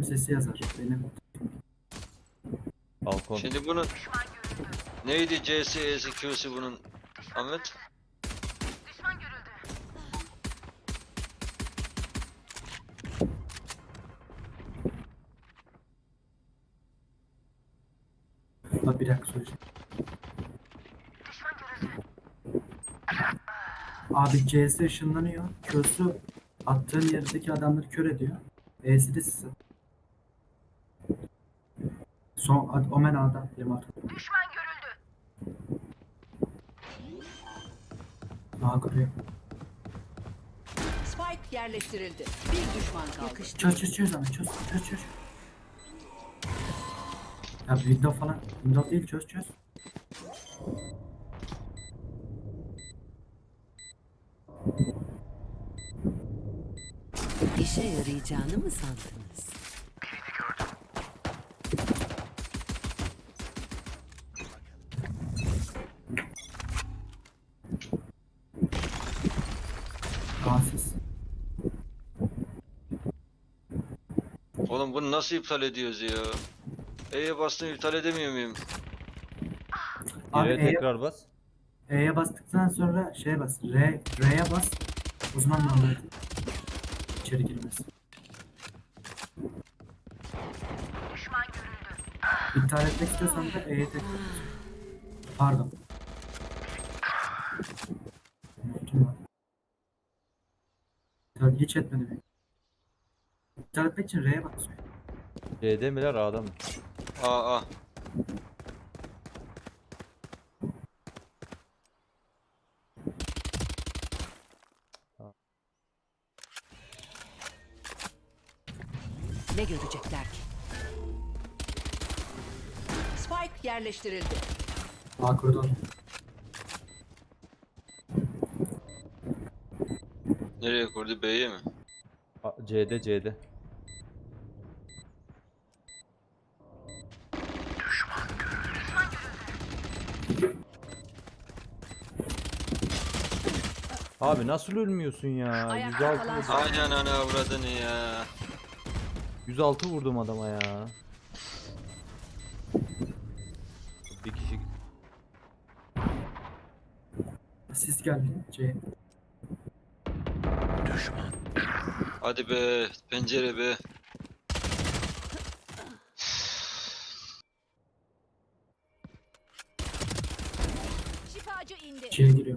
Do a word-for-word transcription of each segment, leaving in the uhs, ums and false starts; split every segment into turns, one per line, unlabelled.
bölüm sesi yazar. Benim
Balkon.
Şimdi bunun neydi C S, E S, Q'si bunun Ahmet?
Bak bir dakika söyleyeceğim. Abi C S ışınlanıyor. Q'su attığın yerdeki adamları kör ediyor. E'si de size. Son ad, Omen A'da yirmi altı.
Düşman görüldü.
A kuruyor.
Spike yerleştirildi. Bir düşman kaldı.
Çöz çöz çöz ama çöz çöz çöz. Ya window falan. Window değil çöz çöz.
İşe yarayacağını mı sandınız?
A'sız.
Oğlum bunu nasıl iptal ediyoruz ya? E'ye bastım iptal edemiyor muyum?
Abi
Geriye
E'ye,
tekrar bas.
E'ye bastıktan sonra şeye bas. R, R'ye bas. Uzman numara içeri girmez.
Düşman görüldü.
İptal etmek istiyorsan da E'ye tekrar bas. Pardon. Unuttum lan. İptal hiç etmedim. İptal etmek için R'ye bas.
C'de miler A'da mı?
A A.
Ne görecekler ki? Spike yerleştirildi.
A koridor.
Nereye kurdu? B'ye mi?
A- C'de C'de. Abi nasıl ölmüyorsun ya?
Ayakta
yüz altı,
kalan son.
Aynen ana avradını ya.
yüz altı vurdum adama ya. Bir kişi
Siz geldi. C.
Hadi be pencere be.
Şifacı indi.
C'ye giriyor.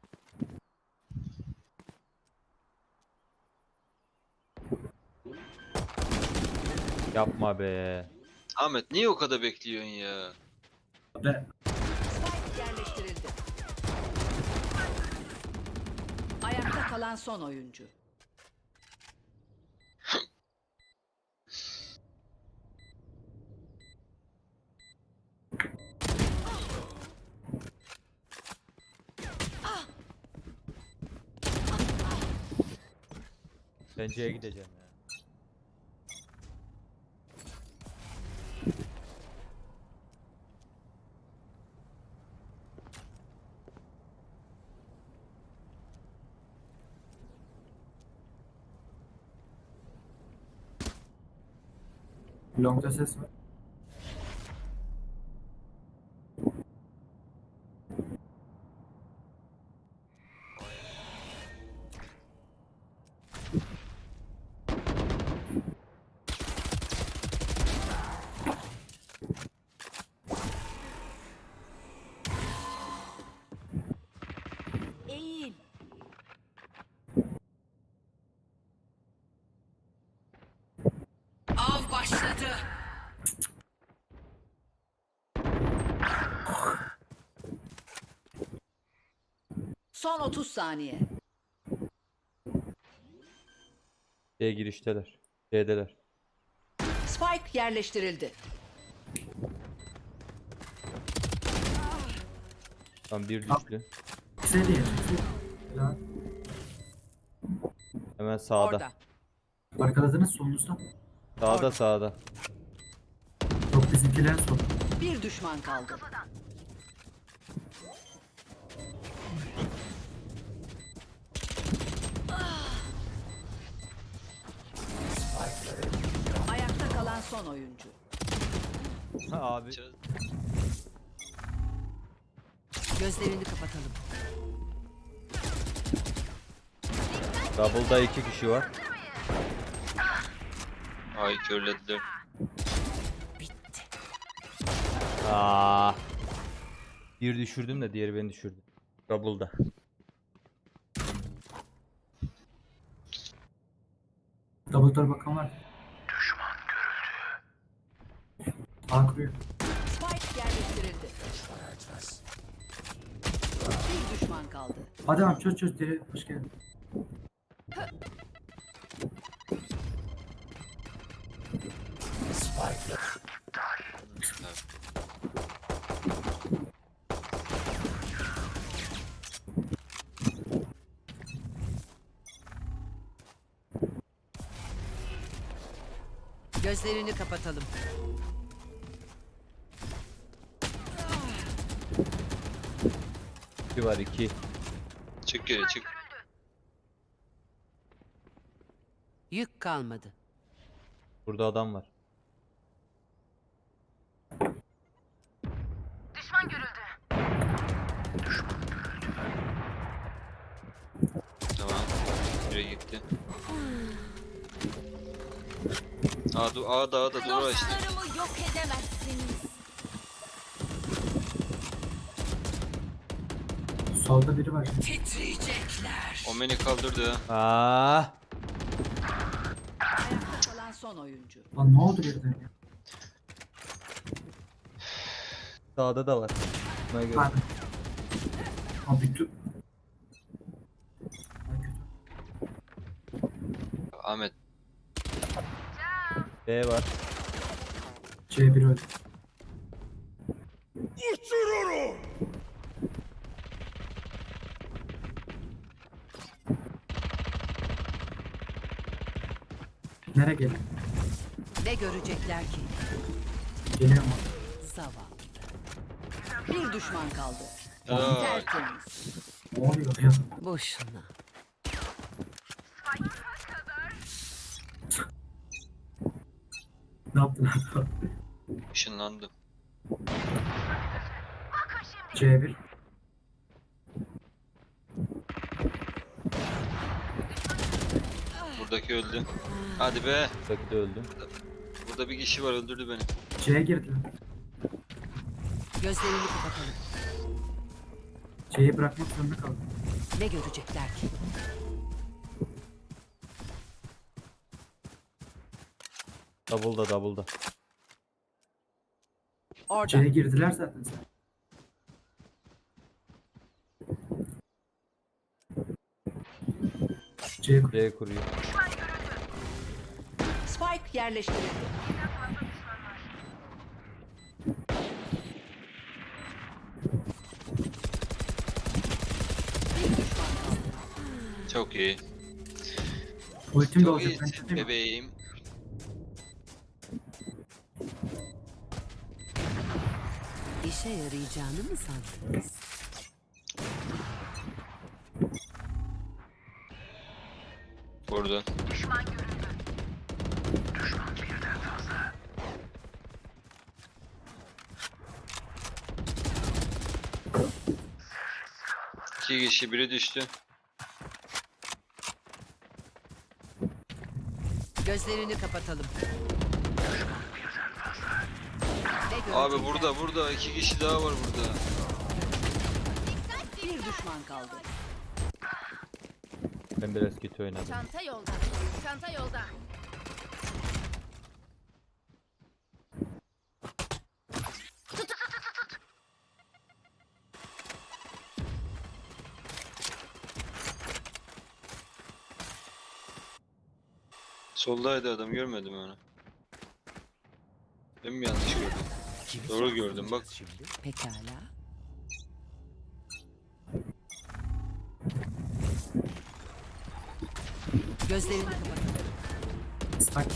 yapma be.
Ahmet niye o kadar bekliyorsun ya?
Ve
Spike yerleştirildi. Ayakta kalan son oyuncu.
Ben C'ye gideceğim ya.
long'da ses var.
Eğil.
Av başladı. Son otuz saniye.
C girişteler. C'deler.
Spike yerleştirildi.
Tam bir düştü.
C diye. Ya,
Hemen sağda.
Orada.
arkaladınız solunuzda.
Sağda sağda.
Yok bizimkiler sol.
Bir düşman kaldı. Ayakta son oyuncu.
Abi.
Ç-
Gözlerini kapatalım.
Double'da iki kişi var.
Ay körlediler.
Aa. Bir düşürdüm de diğeri beni düşürdü. Double'da.
Double door bakan var. Düşman görüldü. A kuruyor.
Spike yerleştirildi. Bir düşman kaldı.
Hadi abi çöz çöz deri. Hoş geldin.
Gözlerini kapatalım.
İki var iki.
Çık geri çık.
Yük kalmadı.
Burada adam var.
Düşman görüldü.
Tamam. Biri gitti. Aa, du Aa daha da doğru açtı.
Dostlarımı yok edemezsiniz.
Solda biri var.
Titriyecekler.
O beni kaldırdı ha.
Aa.
Ayakta kalan son oyuncu.
Lan ne oldu birden ya?
Sağda da var. Buna göre.
Pardon. Abi bütün... Ay, kötü.
Ahmet.
B var.
C bir öldü. Nereye geliyor?
Ne görecekler ki?
Geliyor mu?
Zavallı. Bir düşman kaldı.
Aa,
Tertemiz.
Ne oluyor ya?
Boşuna.
Ne yaptın abi?
ışınlandım.
C bir.
Buradaki öldü. Hadi be.
Buradaki de öldü.
Burada bir kişi var öldürdü beni.
C'ye girdiler.
Gözlerini kapatalım.
C'yi bırakmak zorunda kaldım.
Ne görecekler ki?
Double'da double'da.
Orada.
C'ye girdiler zaten sen. C kur.
C kuruyor.
Spike yerleştirildi. Bir düşman kaldı.
Çok iyi.
Ultim de
Çok
olacak. Ben
iyisin
çıkayım mı?
bebeğim.
İşe yarayacağını mı sandınız?
Burada. İki kişi biri düştü.
Gözlerini kapatalım. Ne
Abi
görecekler?
burada burada iki kişi daha var burada.
Bir düşman kaldı.
Ben biraz kötü oynadım.
Çanta yolda. Çanta yolda.
Soldaydı adam görmedim onu. Ben mi yanlış gördüm? Doğru gördüm bak.
Pekala. Gözlerini kapatalım.
Stack.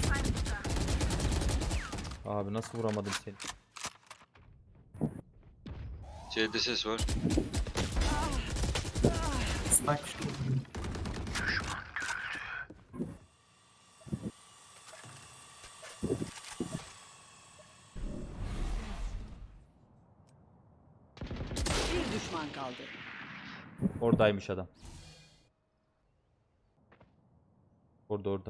Abi nasıl vuramadım seni?
C'de ses var.
Stack.
düşman kaldı.
Oradaymış adam. Orada orada.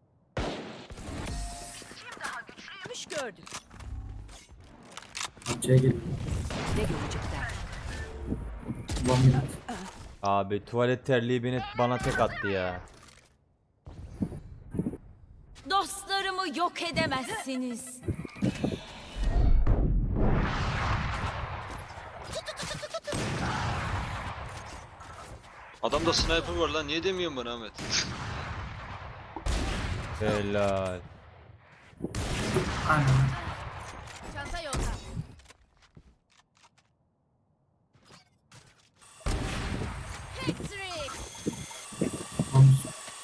Güç gördük.
Bahçeye gel.
Ne görecekler?
One minute.
Abi tuvalet terliği beni bana tek attı ya.
Dostlarımı yok edemezsiniz.
Adamda sniper var lan, niye demiyorsun bana Ahmet?
Helal.
Aynen.
Çanta yolda. Patrick.
Omuz.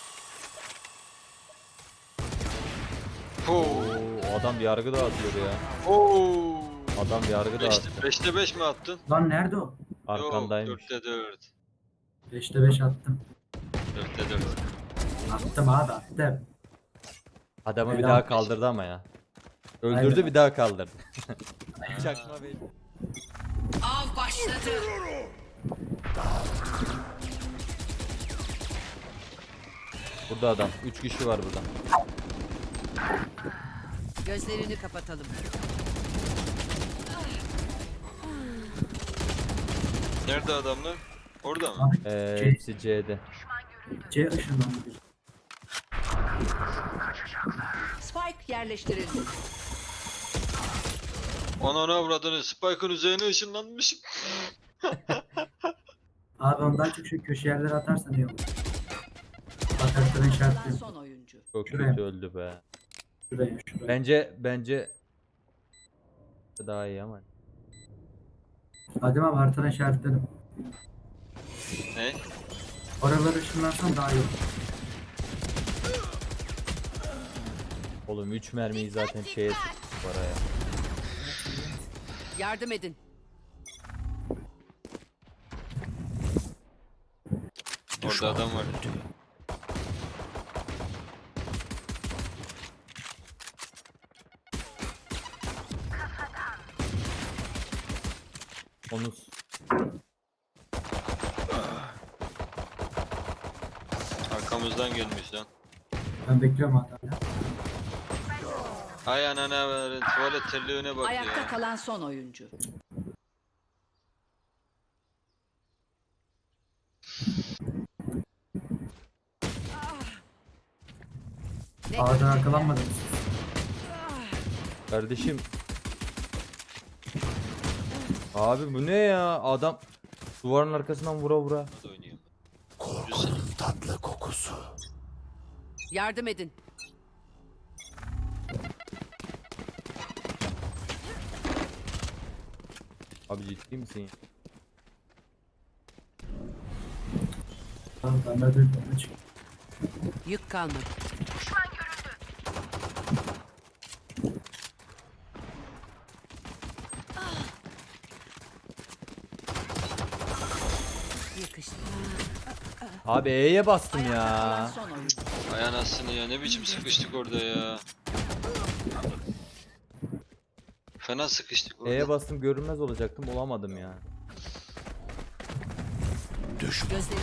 Oo.
Oo, adam yargı dağıtıyor ya.
Oo.
Adam yargı dağıttı.
beşte beş mi attın?
Lan nerede o?
Arkandaymış.
Yok, dörtte dört.
beşte beş attım.
dörtte dört.
Attım abi attım.
Adamı bir
Helal
daha
olsun.
kaldırdı ama ya. Öldürdü
Aynen.
bir daha kaldırdı. Çakma bey.
Av başladı.
Burada adam. Üç kişi var burada.
Gözlerini kapatalım.
Nerede adamlar? Orada mı?
Abi
Ee,
C,
hepsi C'de.
C ışınlandı.
Spike yerleştirildi.
Ananı avradını, Spike'ın üzerine ışınlanmış.
Abi ondan çok şu köşe yerlere atarsan iyi olur. Atarsan
Kalan
işaretliyorum.
son oyuncu.
Çok
Şuraya.
kötü öldü be.
Şuraya şuraya.
Bence bence daha iyi ama.
Adem abi haritanı işaretledim.
Ne?
Oraları ışınlarsan daha iyi olur.
Oğlum üç mermiyi zaten şeye sıktık paraya.
Yardım edin.
Orada adam var.
Onu
Arkamızdan gelmiş lan.
Ben bekliyorum hala.
Ay anana verin, tuvalet terliğine bak
Ayakta
ya.
kalan son oyuncu. Ne
Ağadan
görecekler?
arkalanmadınız.
kardeşim. Abi bu ne ya? Adam duvarın arkasından vura vura.
Hadi oynayayım. Güzel.
Yardım edin.
Abi ciddi misin ya?
Tamam ben de dedim. Açık.
Yük kalmadı. Yakıştı.
Abi E'ye bastım
Ayakta kalan
ya.
son oyuncu.
Ay anasını ya, ne biçim sıkıştık orada ya. Fena sıkıştık orada.
E'ye bastım görünmez olacaktım olamadım ya.
Gözlerini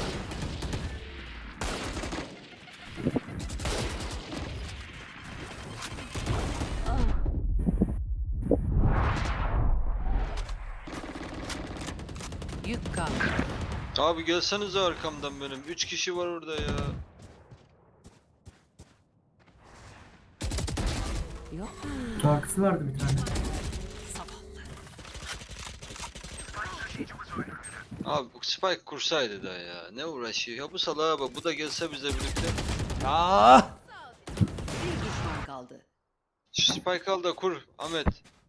Yük kaldı.
Abi gelsenize arkamdan benim. Üç kişi var orada ya.
Yok.
Şarkısı vardı bir tane.
Abi bu Spike kursaydı da ya. Ne uğraşıyor? Ya bu salağa bak, bu da gelse bizle birlikte.
Aa!
Bir düşman kaldı.
Şu Spike al da kur Ahmet.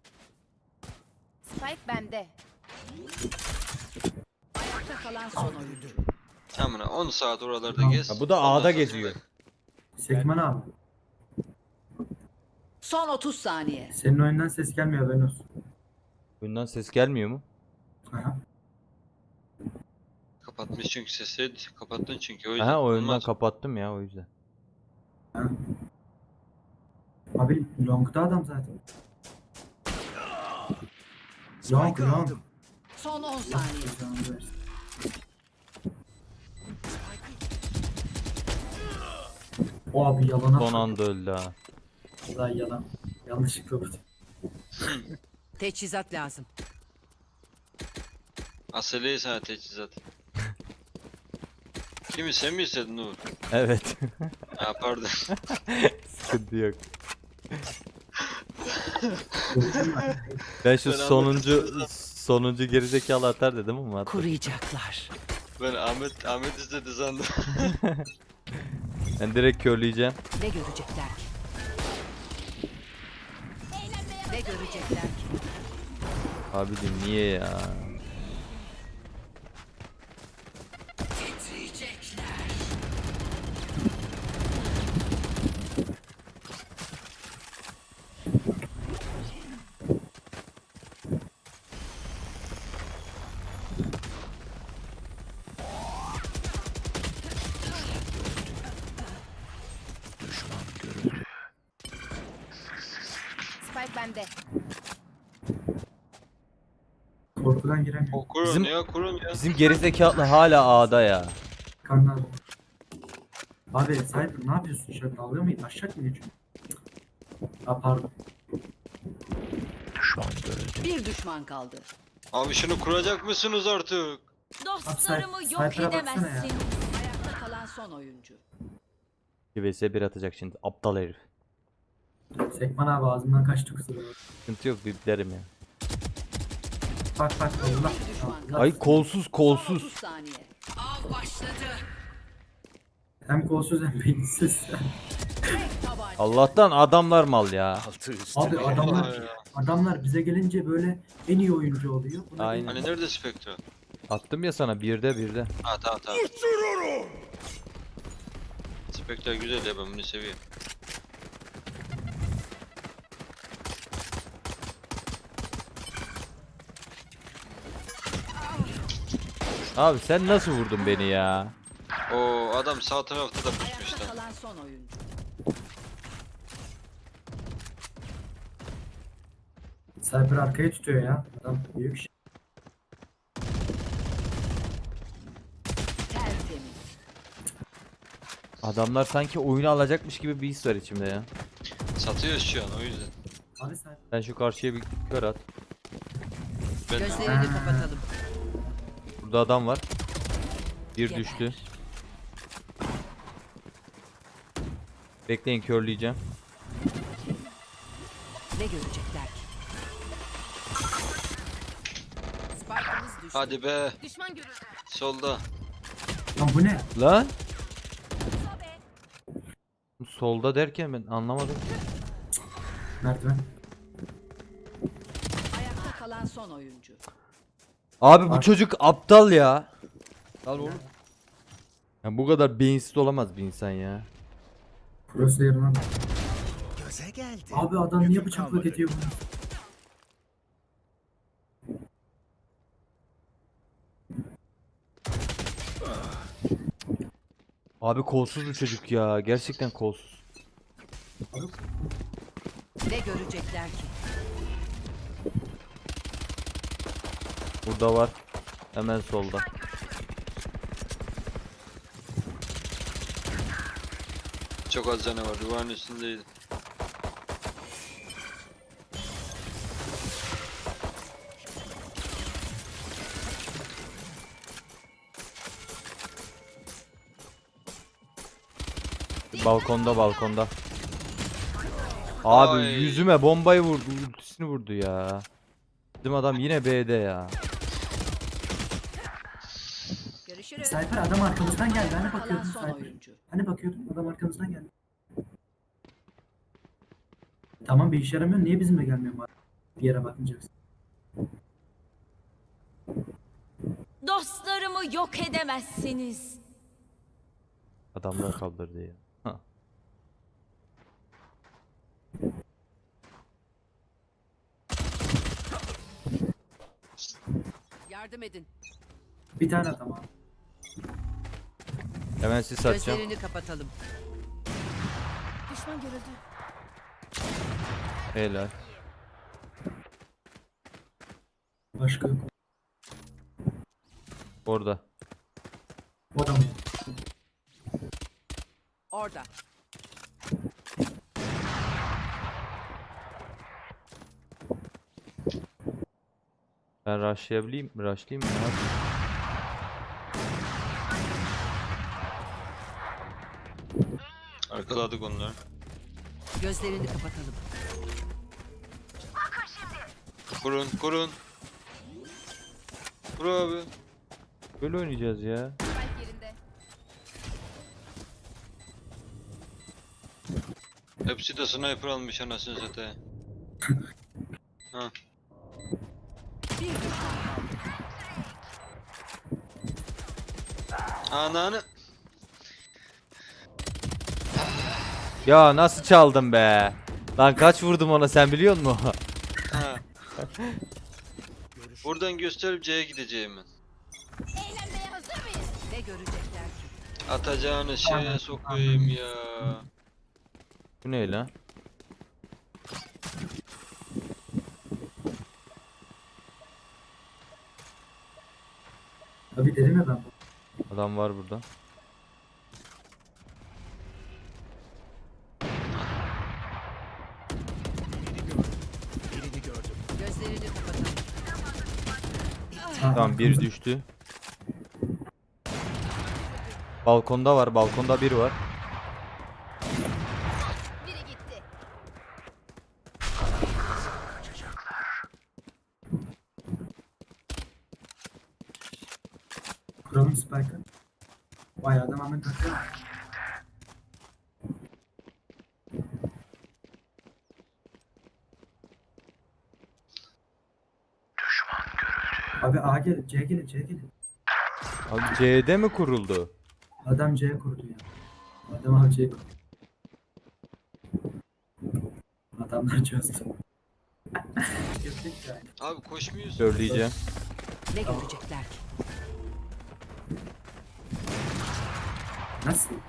Spike bende.
Ayakta kalan son oyuncu.
Tamam on saat oralarda
Tamam.
gez.
Ha, bu da
Ondan
A'da
sonra
geziyor.
Sekman abi.
Son otuz saniye.
Senin oyundan ses gelmiyor ben olsun.
Bundan ses gelmiyor mu?
Aha.
Kapatmış çünkü sesi. Kapattın çünkü o yüzden.
Aha oyundan
Olmaz.
kapattım ya o yüzden.
Ha. Abi long'da adam zaten. Long long.
Son on saniye.
Canını versin. O abi yalana.
Son anda öldü ha.
Daha yalan. Yanlışlıkla vurdum.
Teçhizat lazım.
Aseleyi sana teçhizat. Kimi sen mi istedin Uğur?
Evet.
Ha pardon.
Sıkıntı yok. Ben şu
Ben
sonuncu sonuncu gerizekalı atar dedim ama attı.
Kuruyacaklar.
Ben Ahmet Ahmet istedi sandım.
Ben direkt körleyeceğim.
Ne görecekler ki? Ne görecekler ki?
Abicim niye ya?
Spike bende.
Korkudan giremiyorum.
O kurun
Bizim-
ya kurun ya.
Bizim gerizekalı hala A'da ya.
Kanlar. Abi Cypher ne yapıyorsun? Şöyle dalga mı? Aşağı mı geçiyorsun? Ha pardon.
Bir düşman kaldı.
Abi şunu kuracak mısınız artık?
Dostlarımı
Abi,
yok
sniper'a baksana ya.
edemezsiniz.
Ayakta kalan son oyuncu.
bir vs bir atacak şimdi. Aptal herif.
Sekman abi ağzımdan kaçtı kusura bakma.
Sıkıntı yok biplerim ya.
Bak bak Allah.
Bir düşman
Allah.
kaldı.
Ay kolsuz
Son
kolsuz.
otuz saniye. Av başladı.
Hem kolsuz hem beyinsiz.
Tek tabanca.
Allah'tan adamlar mal ya.
Abi
Allah
adamlar
ya.
adamlar bize gelince böyle en iyi oyuncu oluyor. Buna
Aynen.
Hani nerede Spectre?
Attım ya sana birde birde.
Ha tamam tamam. Spectre güzel ya ben bunu seviyorum.
Abi sen nasıl vurdun beni ya?
O adam sağ tarafta da pusmuş
Ayakta
lan.
kalan son oyuncu.
Cypher arkaya tutuyor ya. Adam büyük şey.
Tertemiz.
Adamlar sanki oyunu alacakmış gibi bir his var içimde ya.
Satıyoruz şu an o yüzden.
Abi Cypher.
Sen şu karşıya bir kör at.
Ben de
Gözlerini
Ha.
kapatalım.
Burada adam var. Bir
Geber.
düştü. Bekleyin körleyeceğim.
Ne görecekler ki? Spike'ımız düştü.
hadi be.
Düşman görüldü.
Solda.
Lan bu ne?
Lan. Solda derken ben anlamadım.
Merdiven.
Ayakta kalan son oyuncu.
Abi bu
Bak.
çocuk aptal ya. Al oğlum. Ya bu kadar beyinsiz olamaz bir insan ya.
Crosshair'ına.
Göze geldi.
Abi adam niye
Yüküm
bıçakla
kalmadı.
gidiyor bunu?
Abi kolsuz bu çocuk ya. Gerçekten kolsuz.
Ne görecekler ki?
Burada var. Hemen solda.
Çok az canı var. Duvarın üstündeydi.
Balkonda balkonda. Abi
Ay.
yüzüme bombayı vurdu. Ultisini vurdu ya. Bizim adam yine B'de ya.
Görüşürüz.
Cypher adam arkamızdan geldi. Hani
Ayakta kalan
bakıyordun
son
Cypher.
oyuncu.
Hani bakıyordun adam arkamızdan geldi. Tamam bir işe yaramıyor. Niye bizimle gelmiyor bari? Bir yere bakmayacaksın.
Dostlarımı yok edemezsiniz.
Adamlar kaldırdı ya. Ha.
Yardım edin.
Bir tane adam abi.
Hemen sis atacağım.
Gözlerini kapatalım.
Düşman görüldü.
Helal.
Başka yok.
Orada.
O da mı?
Orada.
Ben rushlayabileyim mi? Rushlayayım mı? Ne yapayım?
Arkaladık onları.
Gözlerini kapatalım.
Kurun kurun. Kur abi.
Böyle oynayacağız ya.
Hepsi de sniper almış anasını satayım. Ha.
Bir düşman kaldı.
Ananı.
Ya nasıl çaldım be? Lan kaç vurdum ona sen biliyor musun?
Ha. Buradan gösterip C'ye gideceğim ben.
Eğlenmeye hazır mıyız?
Ne görecekler ki?
Atacağını şeye sokayım ya.
Bu ne lan?
Abi dedim ya ben.
Adam var burada.
Gözlerini kapatalım.
Ha,
Tamam bir
arkamızda.
düştü. Balkonda var. Balkonda biri var.
Biri gitti.
Kuralım Spike'ı. Vay adam hemen takıyor. Abi A gelin, C gelin, C gelin.
Abi C'de mi kuruldu?
Adam C kurdu ya. Adam abi C kurdu. Adamlar çözdü. Yaptık yani.
Abi koşmuyorsun.
Söyleyeceğim.
Ne görecekler ki?
Nasıl?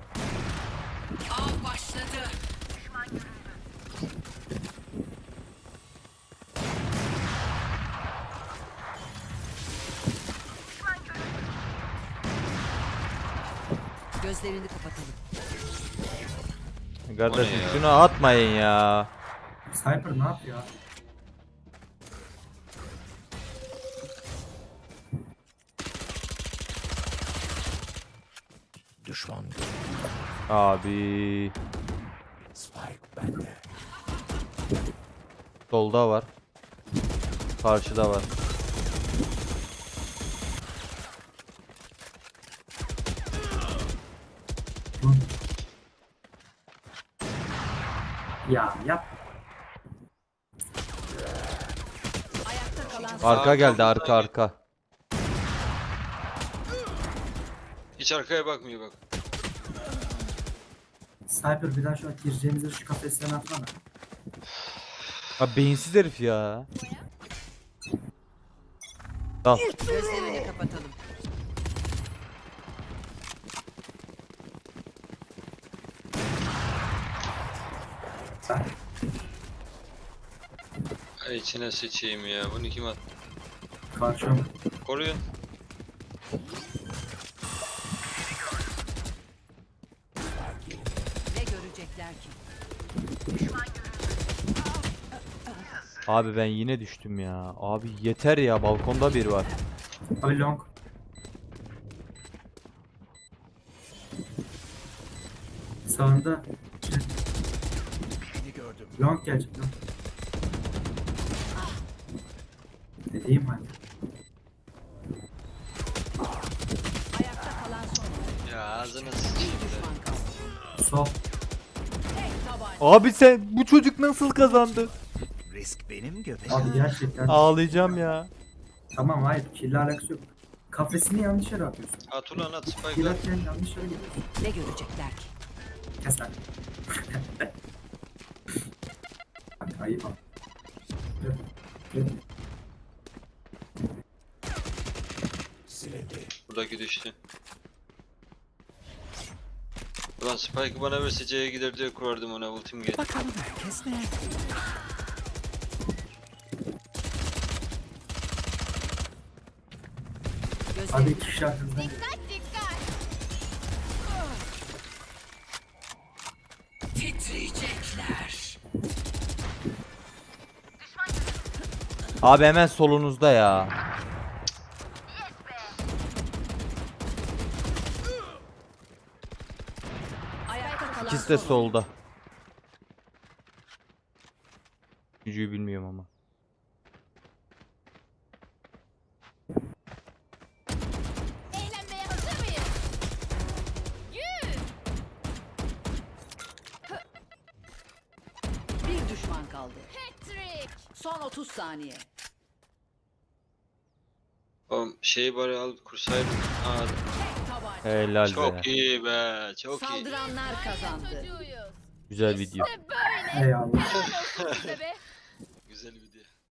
Av başladı. Gözlerini kapatalım.
Kardeşim
O ne ya?
şunu atmayın ya.
Sniper ne yapıyor abi?
Düşman
Abi.
Spike bende.
Solda var. Karşıda var.
Hı. Ya yap.
Ayakta kalan son.
Arka geldi
Arkamızdan
arka
gel.
arka.
Hiç arkaya bakmıyor bak.
Sniper bir daha şu an gireceğimizi şu kafesten atmana.
Abi beyinsiz herif ya. Dal.
Gözlerini kapatalım.
Sen.
Ay içine sıçayım ya. Bunu kim at?
Karşıma.
Koruyun.
Ne görecekler ki?
Abi ben yine düştüm ya. Abi yeter ya balkonda biri var.
Abi long. Sağında.
Beni gördüm.
Long gelecek long. Dediğim hani.
Ayakta kalan son.
Ya ağzına
Bir
sıçayım da.
düşman kaldı.
Sol.
Tek tabanca.
Abi sen bu çocuk nasıl kazandı?
Risk benim göbeğim.
Abi gerçekten.
Ağlayacağım ya.
Tamam hayır. Kille alakası yok. Kafesini yanlış yere atıyorsun.
At ulan at spike'lar.
Girerken yanlış yere gidiyorsun.
Ne görecekler ki?
Kes lan. Bak ayıp abi. Evet, evet.
Silindi.
Buradaki düştü. Ulan Spike'ı bana verse C'ye gider diye kurardım ona ultim geldi.
Bakalım herkes nerede?
Hadi iki kişi arkamızdan.
Dikkat dikkat.
Titriyecekler.
Abi hemen solunuzda ya.
Ayakta kalan
İkisi de
son
solda. Gücüyü bilmiyorum ama.
Eğlenmeye hazır mıyız? Yürü.
Bir düşman kaldı.
Patrick.
Son otuz saniye.
Oğlum şeyi bari al kursaydın. Aa,
Tek tabanca.
Helal be.
çok iyi be. Çok iyi.
Saldıranlar kazandı.
Çocuğuyuz.
Güzel video.
İşte böyle.
Eyvallah.
Helal olsun size be.